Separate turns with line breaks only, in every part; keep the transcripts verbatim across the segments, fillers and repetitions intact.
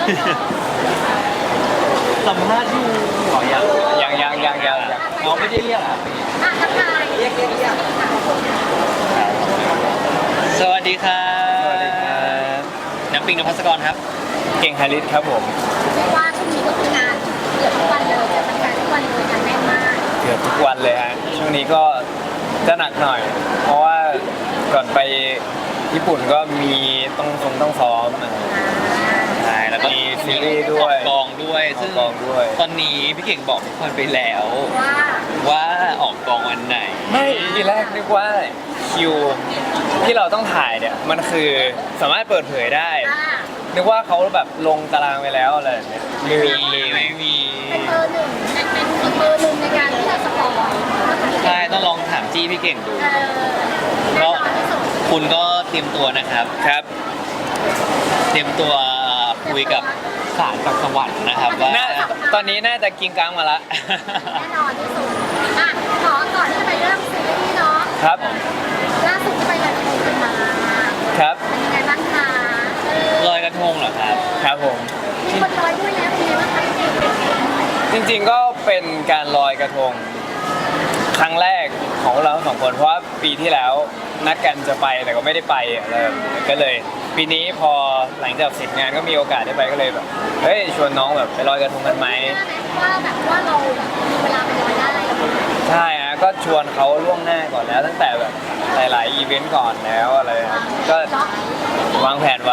สัมภาษณ์อยู่หรอยัง
ยังยังยังยังยัง
น้องไม่ได้เรียกอ่ะ
อ่ะทักทายเรียกเรียกเรียก
สวัสดีครับ
สวัสดีครับ
น้ำปิงนภัสกรครับ
เก่งฮาริสครับผม
เรียกว่าช่วงนี้ก็คืองานเกือบทุกวันเลยเจอแฟนๆทุกวันเลยงานแน่นมาก
เกือบทุกวันเลยฮะช่วงนี้ก็จะหนักหน่อย เพราะว่าก่อนไปญี่ปุ่นก็มีต้องทรงต้องซ้อมอ่ะ
ใช่แล้วก็
มีซีรีส์ด้วย
ออกกองด้วย
ออก
ซึ่ง
กองด้วย
ตอนนี้พี่เก่งบอกทุกคนไปแล้ว
ว่า
ว่าออกกองวันไหน
ไม่ทีแรกนึกว่าคิวที่เราต้องถ่ายเนี่ยมันคือสามารถเปิดเผยได้
อ่า
นึกว่าเขาแบบลงตารางไปแล้วอะไรแบบเนี้ยลืมลืม
ไม่มี
เป็นเบอร์หนึ่งเป็นเป็นอีกเบอร์หนึ่งในการที่จะสปอย
ใช่ต้องลองถามจี้พี่เก่งดู
เออแน่นอนที่สุด
คุณก็เตรียมตัวนะครับ
ครับ
เตรียมตัวคุยกับศาลกับสวรรค์นะครับว่า
น่าตอนนี้น่าจะกินกลางมาละ
แน่นอนที่สุดอ่ะขอก่อนที่จะไปเริ่มซีรีส์เนาะ
ครับ
ล่าสุดที่ไปลอยกระทงกันมา
ครับ
เป็นยังไงบ้างคะเออ
ลอยกระทงเหรอครับ
ครับผม
มีคนลอยด้วยแล้วเป็นยังไงบ้างคะ
จริงๆก็เป็นการลอยกระทงครั้งแรกของเราทั้งสองคนเพราะว่าปีที่แล้วนัดกันจะไปแต่ก็ไม่ได้ไปอะไรแบบนี้ก็เลย ปีนี้พอหลังจากเสร็จงานก็มีโอกาสได้ไปก็เลยแบบเฮ้ยชวนน้องแบบไปลอยกระทงกันไหม
ว่าแบบว่าเรามีเวลาไปลอยได้แล้ว
ใช่ฮะก็ชวนเขาล่วงหน้าก่อนแล้วตั้งแต่แบบหลายๆอีเวนต์ก่อนแล้วอะไรครับก็วางแผนไว้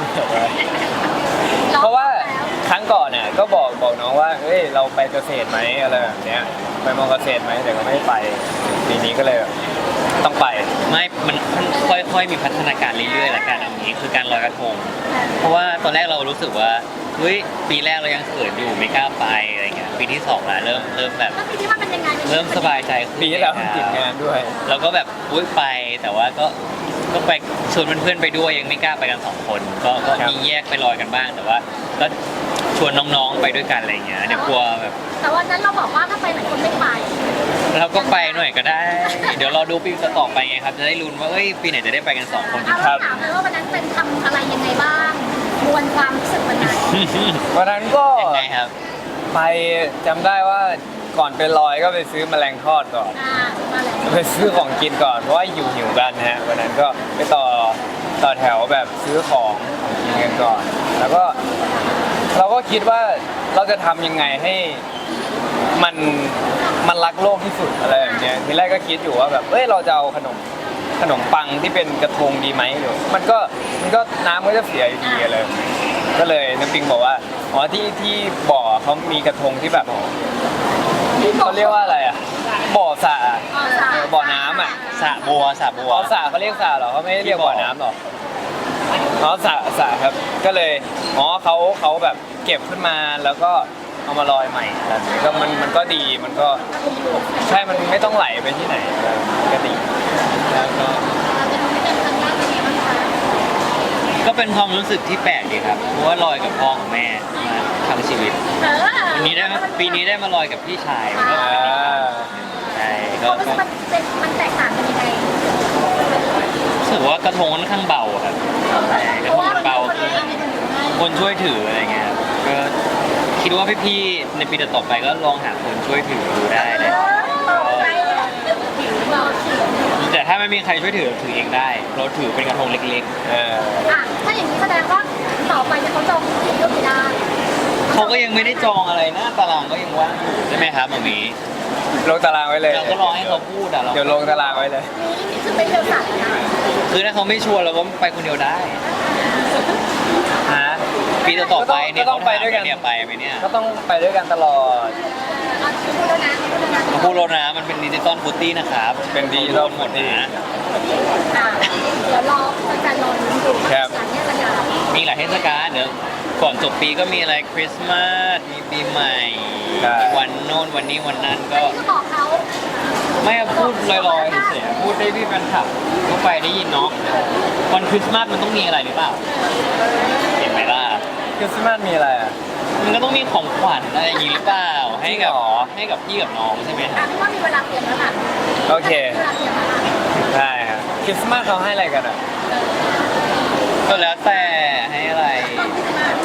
เพราะว่าครั้งก่อนเนี่ยก็บอกบอกน้องว่าเฮ้ยเราไปเกษตรไหมอะไรแบบเนี้ยไปมอเกษตรไหมแต่ก็ไม่ไปปีนี้ก็เลยแบบต้องไป
ไม่ มันค่อยๆ มีพัฒนาการเรื่อยๆละกันเอางี้คือการลอยกระทง เพราะว่าตอนแรกเรารู้สึกว่าเฮ้ยปีแรกเรายังเขินอยู่ไม่กล้าไปอะไรเงี้ยปีที่สองละเริ่มเริ่มแบบ
แล้วปีที่ว่าเป็นยังไง
เริ่มสบายใจขึ้น
ปีที่แล้วมันติดงานด้วย
เราก็แบบอุ้ยไปแต่ว่าก็ก็ไปชวนเพื่อนๆไปด้วยยังไม่กล้าไปกันสองคนก็ก็
ครับ
มีแยกไปลอยกันบ้างแต่ว่าก็ชวนน้องๆไปด้วยกันอะไรเงี้ยเดี๋ยวกลัวแบบ
แต่วันนั้นเราบอกว่าถ้าไปหลายคนไม่ไป
เราก็ไปหน่อยก็ได้ เดี๋ยวรอดูปีต่อไปไงครับจะได้ลุ้นว่าเอ้ยปีไหนจะได้ไปกันสองคน
เอาเราถามเลยว่าวันนั้นเป็นทำอะไรยังไงบ้างมวลความรู้สึกวันนั้น
วันนั้นก็
ยังไงครับ
ไปจำได้ว่าก่อนไปลอยก็ไปซื้อแมลงทอดก่อน
อ่ามาแล้ว
ไปซื้อของกินก่อนเพราะว่าหิวหิวๆกันนะฮะวันนั้นก็ไปต่อต่อแถวแบบซื้อของของกินกันก่อน แล้วก็เราก็คิดว่าเราจะทำยังไงให้มันมันรักโลกที่สุดอะไรแบบเนี้ยทีแรกก็คิดอยู่ว่าแบบเอ้ยเราจะเอาขนมขนมปังที่เป็นกระทงดีไหมหรือมันก็มันก็น้ำก็จะเสียอยู่ดีเลย ก็เลยน้ำปิงบอกว่าอ๋อที่ที่บ่อเขามีกระทงที่แบบเขาเรียกว่าอะไรอ่ะบ่อสระอะ
อ๋อสา
เออบ่อน้ำอ่ะ
สระบัวสระบัว
อ๋อสระเขาเรียกสระเหรอเขาไม่ได้เรียกบ่อน้ำหรออ๋อสระสระครับ ก็เลยอ๋อเขาเขาแบบเก็บขึ้นมาแล้วก็เอามาลอยใหม่แบบนี้ก็มันมันก็ดีมันก็ใช่มันไม่ต้องไหลไปที่ไหนก็ดีแล้วก็
เราจะทำให้เป็นครั้งแรกเป็นยังไงบ้างคะ
ก็เป็นความรู้สึกที่แปลกดีครับ เพราะว่าลอยกับพ่อกับแม่มาทั้งชีวิต
เออ
วันนี้ได้มาปีนี้ได้มาลอยกับพี่ชายมันก็
อ่า
ใช่
ค
ก็
วามรู้สึ
ก็
กมันเป็นมันแตกต่างกันยังไง
รู้สึกว่ากระทงค่อนข้างเบาครับใช่กระทงมันเบาคือคนช่วยถืออะไรเงี้ยครับก็คิดว่าพี่ๆในปีต่อๆไปก็ลองหาคนช่วยถือดูได้นะ
ผิวเราผิว
แต่ถ้าไม่มีใครช่วยถือถือเองได้เราถือเป็นกระทงเล็ก
เออ
อ่ะถ้าอย่างนี้แสดงว่าต่อไปจะเขาจองที่ก็ไม่ได้
ๆเขาก็ยังไม่ได้จองอะไรนะตารางก็ยังว่างอยู่ใช่ไหมครับหมามี
ลงตารางไว้เลย
เราก็รอให้เขาพูดอะเรา
เดี๋ยวลงตารางไว้เลย
นี่คือเป็นเดียวสัตว์นะ
คือถ้าเขาไม่ชวนเราก็ไปคนเดียวได้
ฮะ
ปีต่อๆไปเนี่ย
ก็ต้องไปด้วยกัน
เนี่ยไปไหมเนี่ย
ก็ต้องไปด้วยกันตลอด
เอาพูดแล้วนะพูดแล้วนะ
เขาพูดแล้วนะมันเป็นดิจิตอลฟุตตี้นะครับ
เป็นดิจิตอล
หมดนะ
อ่ะเดี๋ยวรอการรอลุ้นดู
ครับ
หลังเนี้ยจะยาว
มีหลายเทศกาลเดี๋ยวก่อนจบปีก็มีอะไรคริสต์มาสมีปีใหม่
ใช่
วันโน้นวันนี้วันนั้นก็
นี่ก็บอกเขา
ไม่พูดลอยๆเฉยๆพูดได้พี่แฟนคลับก็ไปได้ยินเนาะวันคริสต์มาสมันต้องมีอะไรหรือเปล่าเห็นไหมล่ะ
คริสต์มาสมีอะไรอ่ะ
มันก็ต้องมีของขวัญอะไรอย่างนี้หรือเปล่าให้กับ
จริงเหรอ
ให้กับพี่กับน้องใช่ไหมค
อ่ะ
รับ
พี่ว่ามีเวลาเตรียมแล้วล่ะ
โอเค
มีเวลาเตรียมแล้วล่ะ
ได้ครับคริสต์มาสเขาให้อะไรกันอ่ะ
ก็แล้วแต่ให้อะไร
ต้นคริสต์มาส
ไม่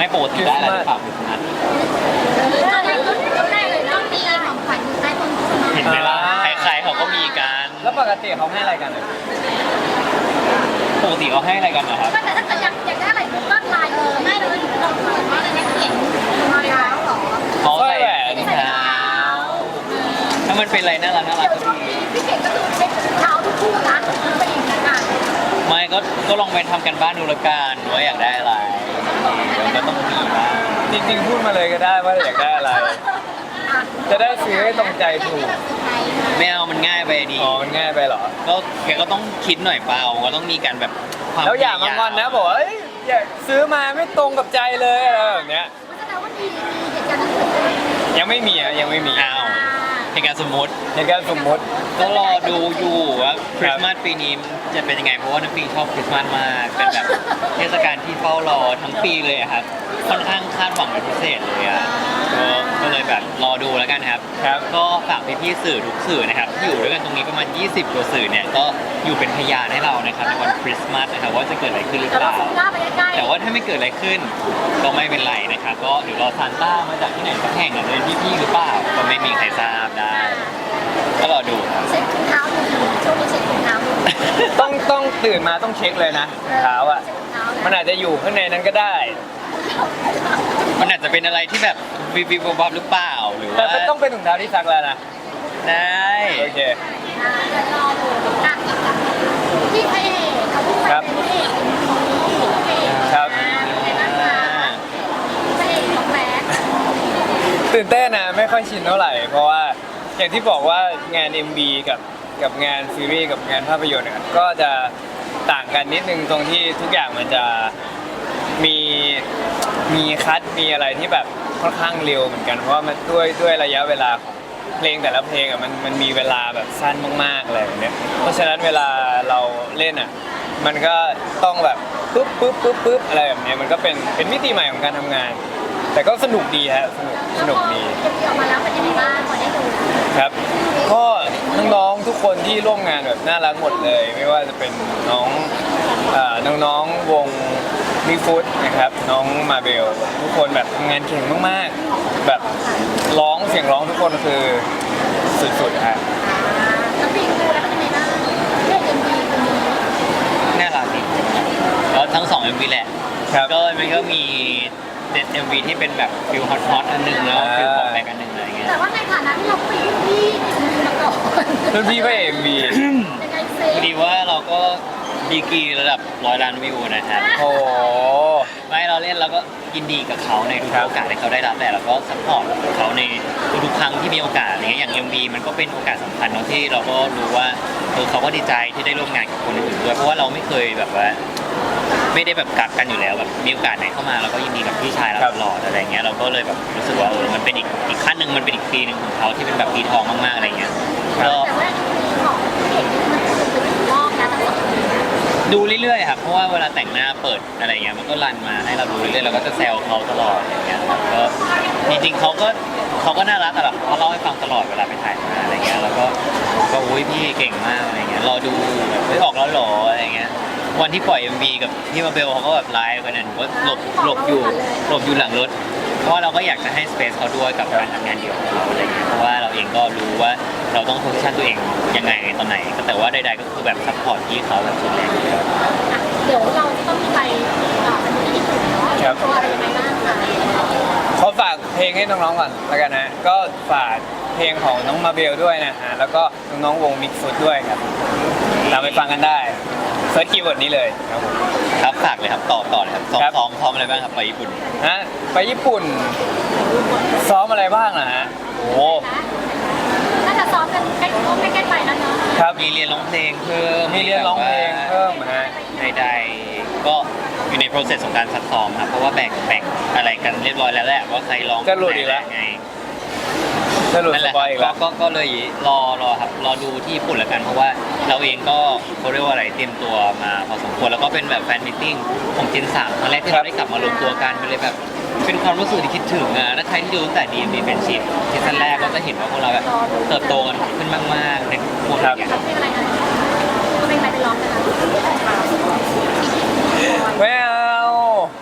ปกติได้อะไรหรือเปล่าคริสต์มาส
ตอนแรกก็ได้เลยต้องมีของขวัญอยู่ใต้ต้นคริสต์มาส
เห็นไหมล่ะใครๆเขาก็มีกัน
แล้วปกติเขาให้อะไรกันอะ
ปกติเขาให้อะไรกันเหรอครับ
ก็แต่ถ้าเกิดอยากอยากได้อะไรปุ๊บก็ไลน์เลยไม่เลยเราเปิดว่าอะไรนะเขียนมาแล้วเหรอ
เขาใส่แหวนเท้าถ้ามันเป็นอะไรน่ารักน่ารัก
เดี๋ยว
ก็
ช่วง
ดี
นี้พี่เก่งก็คือเช็คเท้าทุกคู่นะไปอีกนะกัน
ไม่ก็ก็ลองไปทำกันบ้านดูละกันว่าอยากได้อะไรเดี๋ยวก็ต้องมีบ้าง
จริงๆพูดมาเลยก็ได้ว่าอยากได้อะไร จะได้ซื้อให้ตรงใจถูก
ไม่เอามันง่ายไปดี
อ๋อมันง่ายไปเหรอ
ก็แกก็ต้องคิดหน่อยเปล่าก็ต้องมีการแบบความ
แล้วอย่ามางอนนะบอกว่าเอ้ยอยากซื้อมาไม่ตรงกับใจเลยอะไรแบบเนี้ย
แสดงว่าดีมีเหตุการณ์นั้นเกิดขึ้น
ยังไม่มีอ่ะยังไม่มี
อ้าวในการสมมติ
ในการสมมติ
ก็รอดูอยู่ว่าคริสต์มาสปีนี้จะเป็นยังไงเพราะว่าน้ำปิงชอบคริสต์มาสมากเป็นแบบเทศกาลที่เฝ้ารอทั้งปีเลยอะครับค่อนข้างคาดหวังเป็นพิเศษเลยอะก็ก็เลยแบบรอดูแล้วกันครับ
ครับ
ก็ฝากพี่ๆสื่อทุกสื่อนะครับที่อยู่ด้วยกันตรงนี้ประมาณยี่สิบกว่าสื่อเนี่ยก็อยู่เป็นพยานให้เรานะครับในวันคริสต์มาสนะครับว่าจะเกิดอะไรขึ้นหรือ
แต่
เป
เรา
ล่า
ซูมหน้าไปใกล้ๆ
แต่ว่าถ้าไม่เกิดอะไรขึ้นก็ไม่เป็นไรนะครับก็เดี๋ยวรอซานต้ามาจากที่ไหนสักแห่งอาจจะเป็นพี่ๆหรือเปล่าก็ไม่มีใครทราบได้ก็รอดูครับ
เช็คถุงเท้าดูช่วงนี้เช็คถุงเท้าดู
ต้องต้องตื่นมาต้องเช็คเลยนะรองเท้าอ่ะ
เช็คถุงเท้า
มันอาจจะอยู่ข้างในนั้นก็ได้
มันอาจจะเป็นอะไรที่แบบวิบวิบวับหรือเปล่าหรือ
แต่
ว่า
มันต้องเป็นถุงเท้าที่ซักแล้วนะ
ได้
โอเค
อ่าเดี๋ยวรอดูอ่ะพี่พระเอกเขาพูด
ครับ
เป็นพระเอกของพี่เอก
ครับ
เป็นนักข่าวพระเอกของแบด
ตื่นเต้นนะไม่ค่อยชินเท่าไหร่ เพราะว่าอย่างที่บอกว่างาน เอ็ม วี กับกับงานซีรีส์กับงานภาพยนตร์เนี่ยก็จะต่างกันนิดนึงตรงที่ทุกอย่างมันจะมีมีคัดมีอะไรที่แบบค่อนข้างเร็วเหมือนกันเพราะว่ามันด้วยด้วยระยะเวลาของเพลงแต่ละเพลงอ่ะมันมันมีเวลาแบบสั้นมากๆอะไรแบบเนี้ยเพราะฉะนั้นเวลาเราเล่นอ่ะมันก็ต้องแบบปุ๊บปุ๊บปุ๊บปุ๊บอะไรแบบเนี้ยมันก็เป็นเป็นมิติใหม่ของการทำงาน แต่ก็สนุกดีฮะสนุกสนุกดี
เก็บเกี่ยวมาแล้วเป็นยังไงบ้างพอได้ดู
ครับก็น้องๆทุกคนที่ร่วมงานแบบน่ารักหมดเลย ไม่ว่าจะเป็นน้องเอ่อน้องๆวงมิฟุตนะครับน้องมาเบลทุกคนแบบทำงานเก่งมากๆ แบบร้องเสียงร้องทุกคนคือสุดๆฮะ
แล้วปีดูแล้วเป็นยังไงบ้างเรื่องเอ็มวีคนนี้
น่ารักดีแล้วทั้งสอง เอ็ม วี แหละ
ครับ
ก็มันก็มีเด็ด เอ็ม วี ที่เป็นแบบฟิลฮอตฮอตอันหนึงแล้ว
อ่า
ฟิลของแบกอันหนึงอะไรเงี้ย
แต่ว่าในฐานะที่เราเป็นพี่ที่มาก่อน
รุ่นพี่พระเอ็มวี
ยังไงเซ
พอดีว่าเราก็ดีกรีระดับร้อยล้านวิวนะครับ
โอ้โห
ไม่เราเล่นเราก็ยินดีกับเขาในทุก
ครับ
โอกาสที่เขาได้รับแหละแล้วก็ซัพพอร์ตเขาในทุกๆครั้งที่มีโอกาสอะไรเงี้ยอย่าง เอ็ม วี มันก็เป็นโอกาสสำคัญเนาะที่เราก็รู้ว่าเออเขาก็ดีใจที่ได้ร่วมงานกับคนอื่นด้วยเพราะว่าเราไม่เคยแบบว่า ไม่ได้แบบกักกันอยู่แล้วแบบมีโอกาสไหนเข้ามาเราก็ยินดีกับพี่ชายเรา
ครับ
ตลอดอะไรเงี้ยเราก็เลยแบบรู้สึกว่าเออมันเป็นอีกอีกขั้นหนึ่งมันเป็นอีกปีหนึ่งของเขาที่เป็นแบบปีทองมากๆอะไรเงี้ยก็
แต่ว่ามีของเห็นมันคือเป็นอีกรอบนะทั้งสองคน
ดูเรื่อยๆครับเพราะว่าเวลาแต่งหน้าเปิดอะไรเงี้ยมันก็รันมาให้เราดูเรื่อยๆเราก็จะแซวเขาตลอดอย่างเงี้ยครับก็จริงๆเขาก็เขาก็น่ารักอะแบบเขาเล่าให้ฟังตลอดเวลาไปถ่ายมาอะไรเงี้ยแล้วก็ก็อุ้ยพี่เก่งมากอะไรเงี้ยรอดูแบบเฮ้ยออกแล้วเหรออะไรเงี้ยวันที่ปล่อย เอ็ม วี กับพี่มาเบลเขาก็แบบไลฟ์กันนะหนูก็หลบหลบอยู่หลบอยู่หลังรถ เพราะว่าเราก็อยากจะให้สเปซเขาด้วยกับการทำงานเดี่ยวของเราอะไรเงี้ยเพราะว่าเราเองก็รู้ว่าเราต้องโพสิชันตัวเองยังไงตอนไหนก็แต่ว่าใดๆก็คือแบบซัพพอร์ตพี่เขาแบบสุดแรงเลย
อ่ะเดี๋ยวเราจะต้องมีไปต่อกันที่ญี่ปุ่นเนาะ
ครับ
ตัวอะไรยังไงบ้างคะ
ขอฝากเพลงให้น้องๆก่อนแล้วกันนะก็ฝากเพลงของน้องมาเบลด้วยนะฮะแล้วก็น้องๆวงมิกฟุตด้วยครับตามไปฟังกันได้เซิร์ชคีย์เวิร์ดนี้เลยครับผม
ครับฝากเลยครับต่อต่อเลยครับซ้อม
ครับ
ซ้อมซ้อมอะไรบ้างครับไปญี่ปุ่น
ฮะไปญี่ปุ่นซ้อมอะไรบ้างนะฮะโอ้โห
น่าจะซ้อมกันใกล้ใกล้ๆไปแล้วเนาะ
ครับ
มีเรียนร้องเพลงเพิ่ม
มีเรียนร้องเพลงเพิ่มฮะ
ใดๆก็อยู่ใน process ของการซักซ้อมครับเพราะว่าแบ่งแบ่งอะไรกันเรียบร้อยแล้วแหละว่าใครร้อง
จะหลุดอีกแล้ว
ไง
จะหลุด
นั่น
ส
แหละ
ปอยอีก
ค
แล้
รั
ว
บก็ก็ก็เลยรอรอครับรอดูที่ญี่ปุ่นแล้วกันเพราะว่าเราเองก็เขาเรียกว่าอะไรเตรียมตัวมาพอสมควรแล้วก็เป็นแบบแฟนมิทติ้งของเจนสามครั้งแรกที่เราได้กลับมารวมตัวกันมันเลยแบบเป็นความรู้สึกที่คิดถึงอ่ะถ้าใครที่ดูตั้งแต่ดีมีเป็นชิปซีซั่นแรกก็จะเห็นว่าพวกเราแบบเติบโตกันขึ้นมากๆในทุกคนอย่างเงี้ย
เพลงอะไรนะเพลงอะไรไปร้องกันนะ
ไม่เอา
อ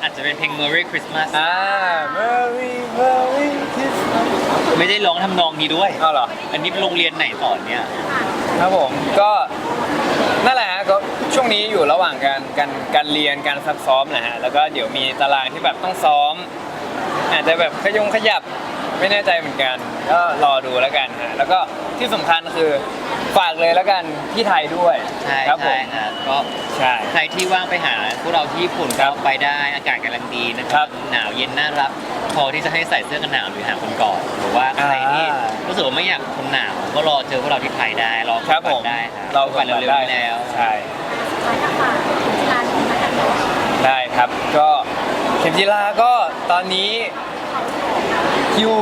อาจจะเป็นเพลง Merry Christmas
อ่า Merry Merry Christmas
ไม่ได้ร้องทำนองนี้ด้วย
เอาเหรอ
อันนี้โรงเรียนไหนสอนเนี่ย
ครับผมก็นั่นแหละฮะก็ช่วงนี้อยู่ระหว่างการการการเรียนการซักซ้อมนะฮะแล้วก็เดี๋ยวมีตารางที่แบบต้องซ้อม อาจจะแบบขยงขยับไม่แน่ใจเหมือนกัน ก็รอดูแล้วกันฮะแล้วก็ที่สำคัญคือฝากเลยแล้วกันที่ไทยด้วย
ใช่
ครับผ
ใช่
ม
ครับก็
ใช่
ใครที่ว่างไปหาพวกเราที่ญี่ปุ่น
ครั
ก็
บ
ไปได้อากาศกำลังดีนะค
ครั
รับบ หนาวเย็นน่ารักพอที่จะให้ใส่เสื้อกันหนาวหรือหาคนกอดหรือว่าใครที่
อ่า
รู้สึกว่าไม่อยากทนหนาวก็รอเจอพวกเราที่ไทยได้รอ
ครับผม
ได้ครับ
เรา
ไปเร็วๆนี้แล้ว
ใช่
ร้านอาหารร้านของร้านอาหาร
ได้ครับก็เข็มจีราก็ตอนนี้คิว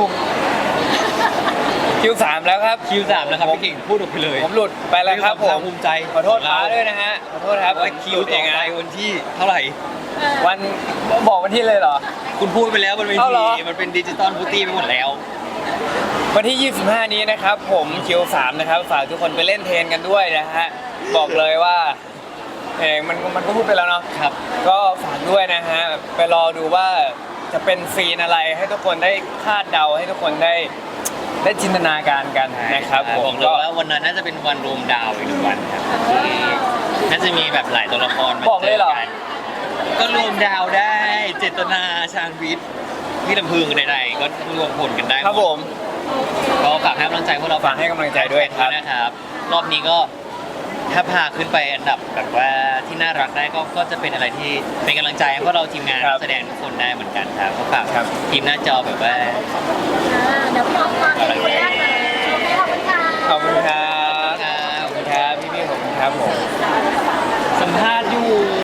คิวสามแล้วครับ
คิวสามแล้วครับพี่เก่งพูดออกไปเลย
ผมหลุดไปแล้วครับผม
ภูมิใจ
ขอโทษป้าด้วยนะฮะขอโทษครับ
ว่าคิว
หลุด
ต่
เอ
อง ไป
นะ
วันที่เท่าไหร่
วันบอกวันที่เลยเหรอ
คุณพูดไปแล้วบนเว
เอาเหร
ที
อ
มันเป็นดิจิตอลบูตี้ไปหมดแล้ว
วันที่ ยี่สิบห้า นี้นะครับผมคิวสามนะครับฝากทุกคนไปเล่นเทรนกันด้วยนะฮะบอกเลยว่าเองมันมันก็พูดไปแล้วเนาะ
ครับ
ก็ฝากด้วยนะฮะไปรอดูว่าจะเป็นซีนอะไรให้ทุกคนได้คาดเดาให้ทุกคนได้ได้จินตนาการกันนะครับผ
บ
ม
อกเลยว่าวันนั้นน่าจะเป็นวันรวมดาวอีกหนึ่งวันครับที่น่าจะมีแบบหลายตัวละครมา
บอก
เจ
เลย
อ
เหรอ
กันก็รวมดาวได้เจตนาชาญวิทย์พี่ลำพึงใดๆก็รวมผลกันได้หด
ครับผม
ก็ฝากให้กำลังใจพวกเรา
ฝากให้กำลังใจด้วยครับ
นะครับ รอบนี้ก็ถ้าพาขึ้นไปอันดับแบบว่าที่น่ารักได้ก็ก็จะเป็นอะไรที่เป็นกำลังใจให้พวกเราทีมงาน
ครับ
แสดงทุกคนได้เหมือนกันครับก็ฝาก
ครับ
ทีมหน้าจอแบบว่า
อ่าเดี๋ยวพี่ออฟมาเป็นคนแรกเลยโอเคขอบคุณค่ะ
ขอบคุณครับขอบคุณครับพี่ๆขอบคุณครับผม
สัมภาษณ์อยู่